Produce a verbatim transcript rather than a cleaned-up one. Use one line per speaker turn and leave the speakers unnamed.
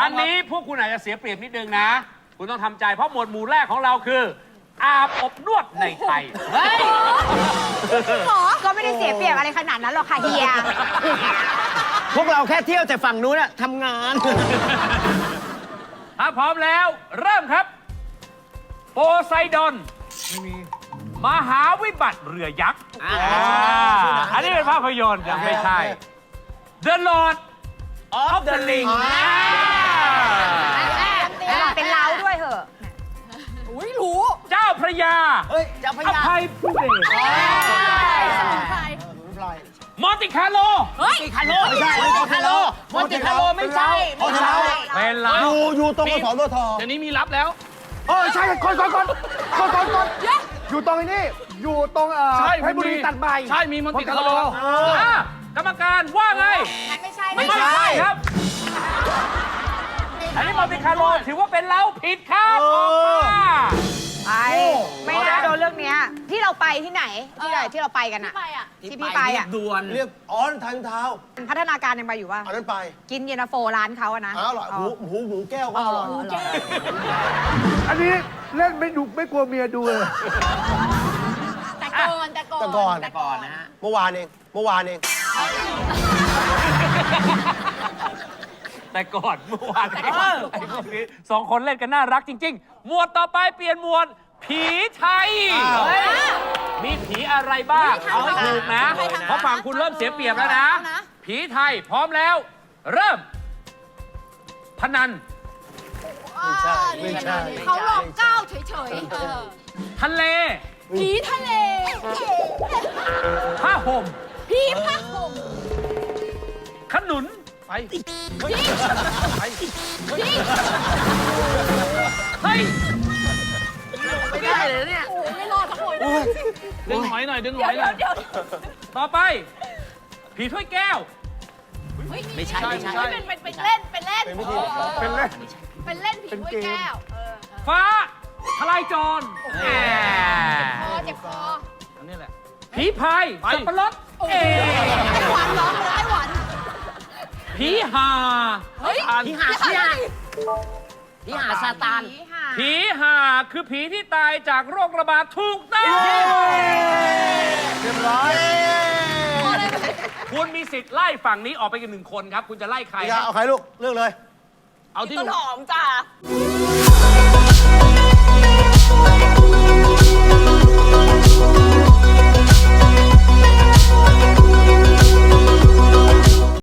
อันนี้พวกคุณอาจจะเสียเปรียบนิดนึงนะคุณต้องทำใจเพราะหมวดหมู่แรกของเราคืออาบอบนวดในไทยเฮ้ย
ก็ไม่ได้เสียเปรียบอะไรขนาดนั้นหรอกค่ะเฮีย
พวกเราแค่เที่ยวแต่ฝั่งนู้นอะทำงาน
ถ้าพร้อมแล้วเริ่มครับโพไซดอนมหาวิบัติเรือยักษ์อันนี้เป็นภาพยนตร์ยังไม่ใช่ The Lord of the Ring
เป็นเล้าด้วยเหอะ
อุ้ยรู้
เจ้าพระยา
เฮ้ยเจ้าพระา
อยภัยผู้เบศ มอนติคาร์โล
เฮ้ย
คาโลไม่ใช่มอนติคาโลมอนติคาโลไม่ใช่ไม่ใช่
เป็นเรา
อยู่อยู่ตรงกสทท
เดี๋ยวนี้มีรับแล้ว
เออใช่ก่อนก่อนก่อนก่อนก่อนก่อนอยู่ตรงนี้อยู่ตรงเอ่อ
ใช่
เพชรบุรีตัดใบ
ใช่มีมอนติคาร์โลอ่ะกรรมการว่าไง
ไม่ใช่
ไม่ใช่ครับ อันนี้มอนติคาร์โลถือว่าเป็นเราผิดครับออกมา
ไปไม่น่าโดนเรื่องเนี้ยที่เราไปที่ไหนที่ไหนที่เราไปกันอะ
ไปอ่ะ
ที่พี่ไปอะ
ด่วน
เรียกอ๋อทางเท้า
พัฒนาการยังไปอยู่ป่ะ
อันนั้นไป
กินเย็นตาโฟร้านเขาอะนะ
อ้าวอร่อยหมูหมูหมูแก้วก็อร่อย
อร่อย
อันนี้เล่นไม่ดูไม่กลัวเมียดูเลย
แต่ก่อนแต่ก่อน
แต่ก่อน
แต่ก่อน
นะฮะ
เมื่อวานเองเมื่อวานเอง
แต่ก่อนเมื่อวานไอ้พวกนี้สองคนเล่นกันน่ารักจริง ๆ หมวดต่อไปเปลี่ยนหมวด ผีไทย มีผีอะไรบ้างเอาให้ถูกนะ เพราะฝั่งคุณเริ่มเสียเปรียบแล้วนะ ผีไทยพร้อมแล้ว เริ่ม พนัน
ไม่ใช่ไม่ใช่
เขาหลอกก้าวเฉยๆเออ
ทะเล
ผีทะเล
ผ้าห่ม
ผีผ้าห่ม
ขนุนไปไปเฮ้ย
ไม่ได้เลยเนี่ย
โอ้ยไม่รอดทั้งหมด
ดึงหอยหน่อยดึงหอยหน่อย
เดี๋ยว
ต่อไป ผีถ้วยแก้ว
ไม่ใช่ไม่ใช่
เป็นเป็นเป็นเล่นเป็นเล่น
เป็นวิธีเป็นเล่น
เป็นเล่นผีถ้วยแก้วเออ
ฟ้าทลายโจรแหม
คอเจ็บคอ
อันนี้แหละ ผีพายสับปะรด
โอ้
เอย
ไต้หวันเหรอไต้หวัน
ผีหา
เฮ้ย
ผีหาผีหาผีหาซาตาน
ผีห่า
ผีหาคือผีที่ตายจากโรคระบาดถูกต้อง
เรียบร้อย
คุณมีสิทธิ์ไล่ฝั่งนี้ออกไปกันหนึ่งคนครับ คุณจะไล่ใคร
พี่กาเอาใครลูกเลือกเลย
เอาที่
ต้น
หนู
หอมจ้า